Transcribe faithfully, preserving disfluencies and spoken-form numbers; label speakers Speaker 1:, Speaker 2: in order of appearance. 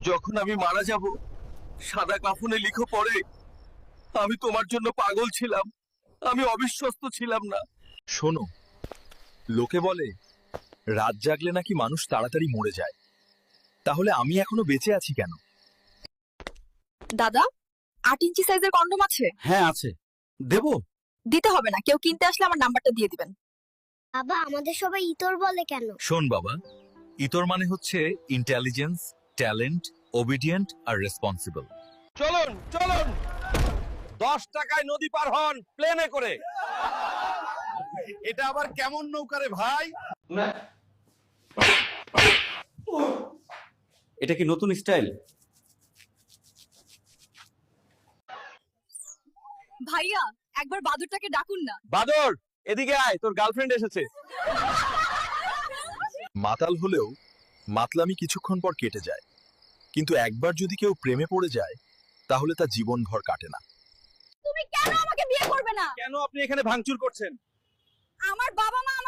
Speaker 1: যখন আমি মারা যাব সাদা কাফনে লিখো পড়ে আমি তোমার জন্য পাগল ছিলাম, আমি অবিশ্বস্ত ছিলাম না। শোনো, লোকে বলে রাত জাগলে নাকি মানুষ তাড়াতাড়ি মরে যায়, তাহলে আমি এখনো বেঁচে আছি কেন?
Speaker 2: দাদা, আট ইঞ্চি সাইজের কন্ডম আছে?
Speaker 1: হ্যাঁ আছে, দেবো?
Speaker 2: দিতে হবে না, কেউ কিনতে আসলে আমার নাম্বারটা দিয়ে দিবেন।
Speaker 3: বাবা আমাদের সবাই ইতর বলে কেন?
Speaker 1: শোন বাবা, ইতর মানে হচ্ছে ইন্টেলিজেন্স, ট্যালেন্ট, ওবিডিয়েন্ট আর রেসপন্সিবল।
Speaker 4: চলুন চলুন, দশ টাকায় নদী পার হন প্লেনে করে।
Speaker 1: এটা আবার কেমন নৌকা রে ভাই?
Speaker 4: এটা কি নতুন স্টাইল?
Speaker 2: ভাইয়া, একবার বাদুরটাকে ডাকুন না।
Speaker 4: বাদর, এদিকে আয়, তোর গার্লফ্রেন্ড এসেছে।
Speaker 1: মাতাল হলেও মাতলামি কিছুক্ষণ পর কেটে যায়, কিন্তু একবার যদি কেউ প্রেমে পড়ে যায় তাহলে তা জীবনভর কাটে না।
Speaker 2: তুমি কেন আমাকে বিয়ে করবে না?
Speaker 4: কেন আপনি এখানে ভাঙচুর করছেন?
Speaker 2: আমার বাবা মা